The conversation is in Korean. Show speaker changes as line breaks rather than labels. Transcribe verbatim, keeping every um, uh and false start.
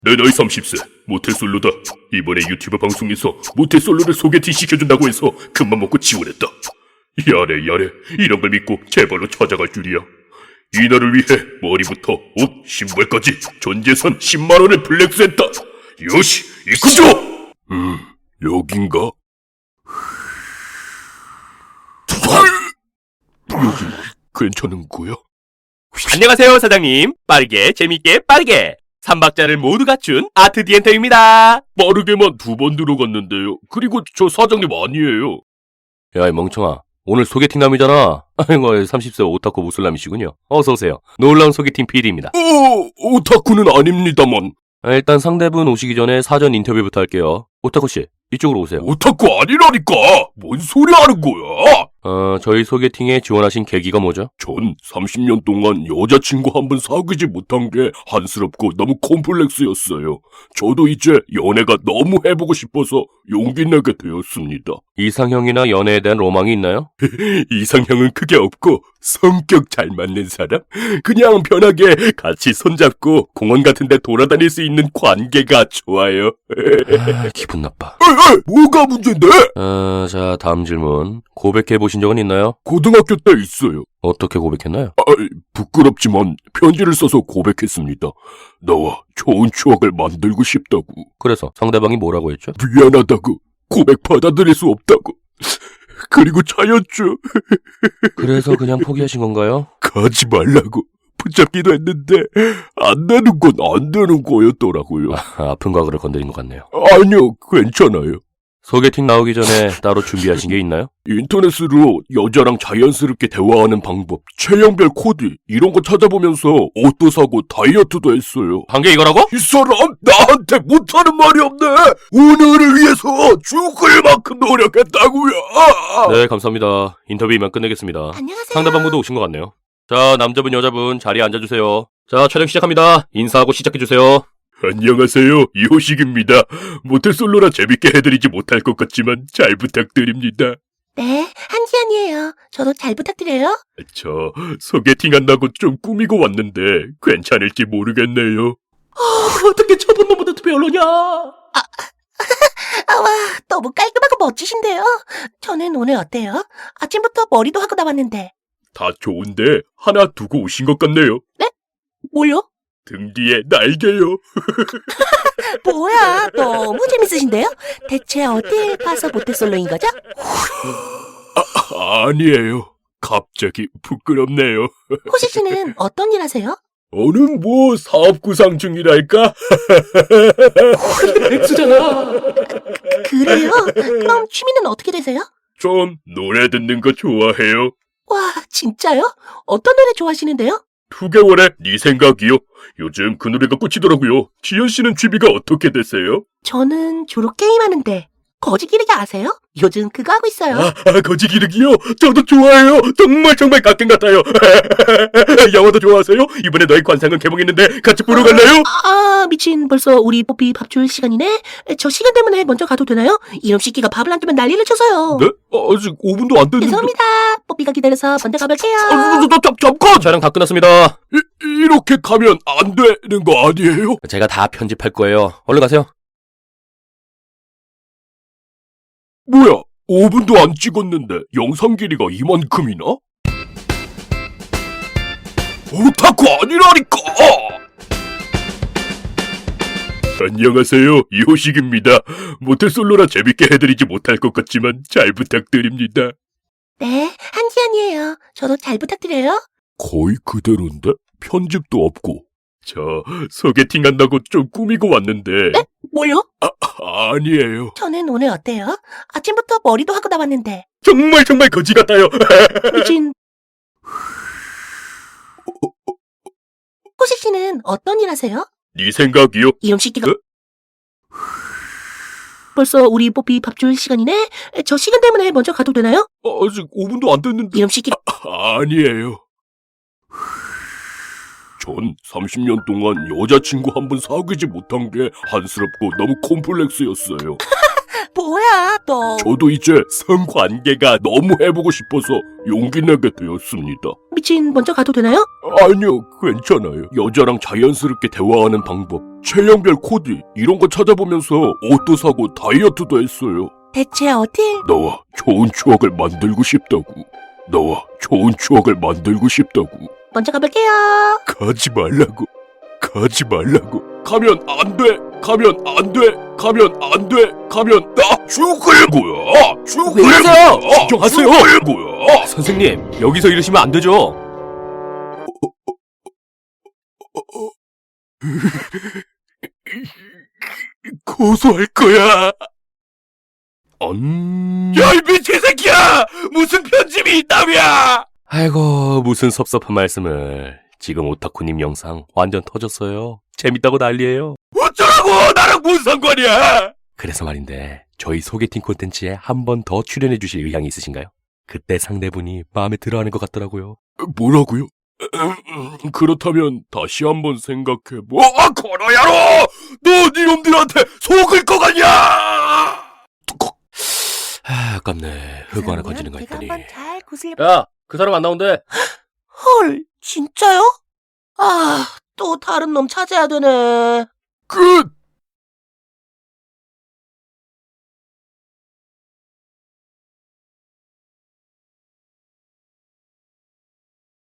내 나이 서른 세, 모태솔로다. 이번에 유튜브 방송에서 모태솔로를 소개팅 시켜준다고 해서 큰맘 먹고 지원했다. 야래 야래, 이런 걸 믿고 제발로 찾아갈 줄이야. 이날을 위해 머리부터 옷, 신발까지 전 재산 십만 원을 플렉스했다. 요시, 이쿠죠! 음, 여긴가? 여기 괜찮은 거야?
안녕하세요, 사장님. 빠르게, 재밌게, 빠르게. 삼박자를 모두 갖춘 아트 디엔터입니다.
빠르게만 두 번 들어갔는데요. 그리고 저 사장님 아니에요.
야, 이 멍청아. 오늘 소개팅남이잖아. 아이고, 서른 세 오타쿠 무술남이시군요. 어서오세요. 놀라운 소개팅 피디입니다.
어, 오타쿠는 아닙니다만.
아, 일단 상대분 오시기 전에 사전 인터뷰부터 할게요. 오타쿠씨, 이쪽으로 오세요.
오타쿠 아니라니까! 뭔 소리 하는 거야?
어, 저희 소개팅에 지원하신 계기가 뭐죠?
전 삼십 년 동안 여자친구 한 번 사귀지 못한 게 한스럽고 너무 콤플렉스였어요. 저도 이제 연애가 너무 해보고 싶어서 용기 내게 되었습니다.
이상형이나 연애에 대한 로망이 있나요?
이상형은 크게 없고 성격 잘 맞는 사람? 그냥 편하게 같이 손잡고 공원 같은 데 돌아다닐 수 있는 관계가 좋아요.
아, 기분 나빠.
에이, 에이, 뭐가 문제인데?
어, 자, 다음 질문. 고백해보신 적은 있나요?
고등학교 때 있어요.
어떻게 고백했나요?
아, 부끄럽지만 편지를 써서 고백했습니다. 너와 좋은 추억을 만들고 싶다고.
그래서 상대방이 뭐라고 했죠?
미안하다고. 고백 받아들일 수 없다고. 그리고 차였죠.
그래서 그냥 포기하신 건가요?
가지 말라고 붙잡기도 했는데 안 되는 건 안 되는 거였더라고요.
아, 아픈 과거를 건드린 것 같네요.
아니요, 괜찮아요.
소개팅 나오기 전에 따로 준비하신 게 있나요?
인터넷으로 여자랑 자연스럽게 대화하는 방법, 체형별 코디 이런 거 찾아보면서 옷도 사고 다이어트도 했어요.
한 게 이거라고?
이 사람 나한테 못하는 말이 없네. 오늘을 위해서 죽을 만큼 노력했다고요.
네, 감사합니다. 인터뷰 이만 끝내겠습니다.
안녕하세요.
상대방분도 오신 것 같네요. 자, 남자분, 여자분 자리에 앉아주세요. 자, 촬영 시작합니다. 인사하고 시작해주세요.
안녕하세요, 이호식입니다. 모태솔로라 재밌게 해드리지 못할 것 같지만 잘 부탁드립니다.
네, 한지연이에요. 저도 잘 부탁드려요.
저 소개팅 한다고 좀 꾸미고 왔는데 괜찮을지 모르겠네요.
아, 어떻게 저분 너무도 별로냐?
아, 와, 너무 깔끔하고 멋지신데요. 저는 오늘 어때요? 아침부터 머리도 하고 나왔는데.
다 좋은데 하나 두고 오신 것 같네요.
뭘요?
등 뒤에 날개요.
뭐야, 너무 재밌으신데요? 대체 어딜 봐서 모태솔로인 거죠?
아, 아니에요. 갑자기 부끄럽네요.
호시 씨는 어떤 일 하세요?
어는 뭐 사업 구상 중이랄까?
백수잖아.
그래요? 그럼 취미는 어떻게 되세요?
전 노래 듣는 거 좋아해요.
와, 진짜요? 어떤 노래 좋아하시는데요?
두 개월에 네 생각이요. 요즘 그 노래가 꽂히더라고요. 지연 씨는 취미가 어떻게 되세요?
저는 주로 게임하는데. 거지기르기 아세요? 요즘 그거 하고 있어요.
아, 아 거지기르기요? 저도 좋아해요. 정말 정말 가끔 같아요. 영화도 좋아하세요? 이번에 너의 관상은 개봉했는데 같이 보러 갈래요?
아, 미친. 벌써 우리 뽀삐 밥 줄 시간이네? 저 시간 때문에 먼저 가도 되나요? 이놈 새끼가 밥을 안 주면 난리를 쳐서요.
네? 아, 아직 오 분도 안 됐는데.
죄송합니다. 뽀삐가 기다려서 먼저 가볼게요.
아, 저, 저, 저, 잠깐!
촬영 다 끝났습니다.
이, 이렇게 가면 안 되는 거 아니에요?
제가 다 편집할 거예요. 얼른 가세요.
뭐야? 오 분도 안 찍었는데 영상 길이가 이만큼이나? 오타쿠 아니라니까! 안녕하세요, 이호식입니다. 모태솔로라 재밌게 해드리지 못할 것 같지만 잘 부탁드립니다.
네, 한지연이에요. 저도 잘 부탁드려요.
거의 그대로인데? 편집도 없고. 저 소개팅 한다고 좀 꾸미고 왔는데.
네? 뭘요?
아, 아니에요.
저는 오늘 어때요? 아침부터 머리도 하고 나왔는데.
정말 정말 거지 같아요.
미친. 호식 씨는 어떤 일 하세요?
네 생각이요?
이놈 새끼가.
네?
벌써 우리 뽀삐 밥 줄 시간이네? 저 시간 때문에 먼저 가도 되나요?
아, 아직 오 분도 안 됐는데.
이놈 새끼가.
아, 아니에요. 전 삼십 년 동안 여자친구 한 번 사귀지 못한 게 한스럽고 너무 콤플렉스였어요.
뭐야, 너.
저도 이제 성관계가 너무 해보고 싶어서 용기 내게 되었습니다.
미친, 먼저 가도 되나요?
아니요, 괜찮아요. 여자랑 자연스럽게 대화하는 방법, 체형별 코디 이런 거 찾아보면서 옷도 사고 다이어트도 했어요.
대체 어딜?
나와 좋은 추억을 만들고 싶다고. 나와 좋은 추억을 만들고 싶다고.
먼저 가볼게요.
가지 말라고. 가지 말라고. 가면 안 돼. 가면 안 돼. 가면 안 돼. 가면 나 죽을 거야. 죽을
왜 이러세요?
거야.
진정하세요.
죽을 거야.
선생님, 여기서 이러시면 안 되죠.
고소할 거야. 음... 야, 이 미친 새끼야! 무슨 편집이 있다며!
아이고, 무슨 섭섭한 말씀을. 지금 오타쿠님 영상 완전 터졌어요. 재밌다고 난리예요.
어쩌라고! 나랑 뭔 상관이야!
그래서 말인데 저희 소개팅 콘텐츠에 한 번 더 출연해 주실 의향이 있으신가요? 그때 상대분이 마음에 들어하는 것 같더라고요.
뭐라고요? 그렇다면 다시 한번 생각해. 뭐? 아, 코너야로! 너 니놈들한테 속을 거 같냐?
아, 아깝네. 흙 안에 건지는 거
제가
있더니.
한번 잘 구슬려.
야, 그 사람 안 나온대.
헐, 진짜요? 아, 또 다른 놈 찾아야 되네.
그